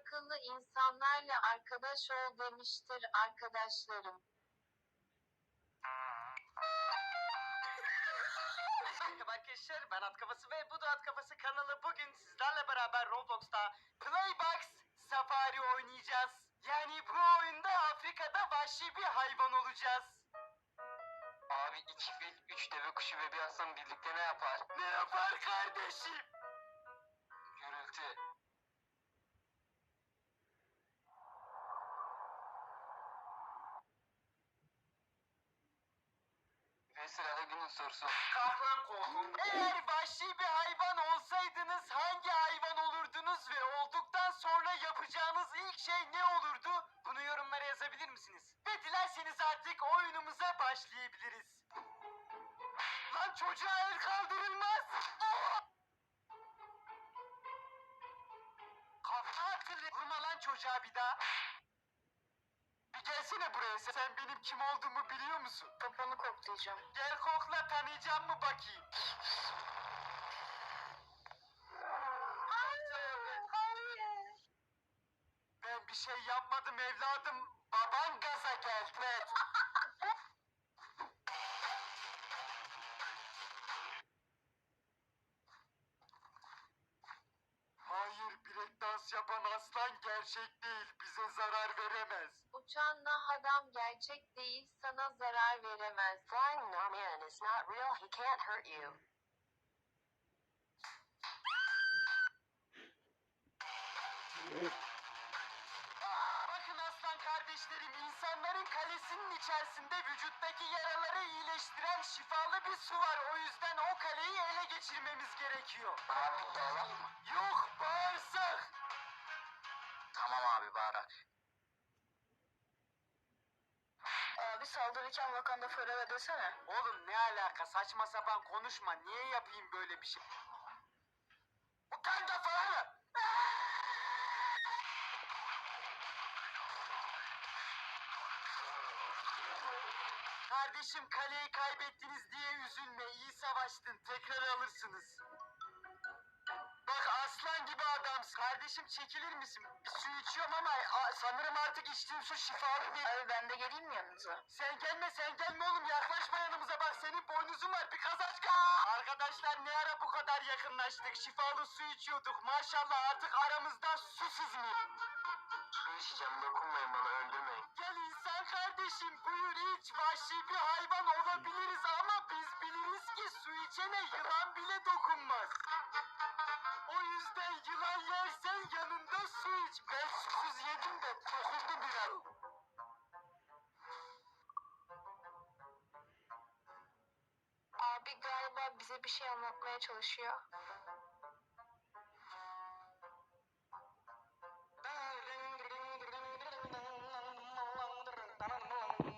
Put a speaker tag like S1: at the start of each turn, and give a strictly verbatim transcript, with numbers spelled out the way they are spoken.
S1: akıllı insanlarla arkadaş ol demiştir arkadaşlarım.
S2: Merhaba arkadaşlar, ben At Kafası ve bu da At Kafası kanalı. Bugün sizlerle beraber Roblox'ta Playbox Safari oynayacağız. Yani bu oyunda Afrika'da vahşi bir hayvan olacağız.
S3: Abi iki fil, üç deve kuşu ve bir aslan birlikte ne yapar?
S2: Ne yapar kardeşim?
S3: Gürültü. Ve sırada günün sorusu.
S2: Kaplan kovun. Eğer vahşi bir hayvan olsaydınız hangi hayvan olurdunuz ve olduktan sonra yapacağınız ilk şey ne olurdu? Bunu yorumlara yazabilir misiniz? Ve dilerseniz artık oyunumuza başlayabiliriz. Lan çocuğa el kaldırılmaz. Kafa atılır. Vurma lan çocuğa bir daha. Bir gelsene buraya, sen benim kim olduğumu biliyor musun?
S1: Kafanı koklayacağım.
S2: Gel kokla, tanıyacağım mı bakayım?
S1: Hayır, hayır.
S2: Ben bir şey yapmadım evladım. Baban gaza geldi. Hayır, bilek dans yapan aslan gerçek değil. Bize zarar veremez.
S1: Uçan nah adam gerçek değil, sana zarar veremez.
S4: Flying Norman is not real, he can't hurt you.
S2: Bakın aslan kardeşlerim, insanların kalesinin içerisinde vücuttaki yaraları iyileştiren şifalı bir su var. O yüzden o kaleyi ele geçirmemiz gerekiyor.
S3: Abi dağılak mı?
S2: Yok, bağırsak.
S3: Tamam abi bağırak.
S4: Abi saldırırken Wakanda Forever desene.
S2: Oğlum ne alaka, saçma sapan konuşma. Niye yapayım böyle bir şey? Wakanda forever. Kardeşim, kaleyi kaybettiniz diye üzülme. İyi savaştın. Tekrar alırsınız. Bak aslan gibi adamsın. Kardeşim çekilir misin? Bir su içiyorum ama a- sanırım artık içtiğim su şifalı değil.
S4: Abi ben de geleyim mi yanınıza?
S2: Sen gelme sen gelme oğlum, yaklaşma yanımıza, bak senin boynuzun var bir kazaçka. Arkadaşlar ne ara bu kadar yakınlaştık, şifalı su içiyorduk, maşallah artık aramızda su sızmıyor.
S3: Su içeceğim, dokunmayın bana, öldürmeyin.
S2: Gel insan kardeşim, buyur iç, vahşi bir hayvan olabiliriz ama biz biliriz ki su içene yılan bile dokunmaz. O yüzden yılan yersen yanında su iç. Ben susuz yedim de dokundu biraz.
S1: Abi galiba bize bir şey anlatmaya çalışıyor.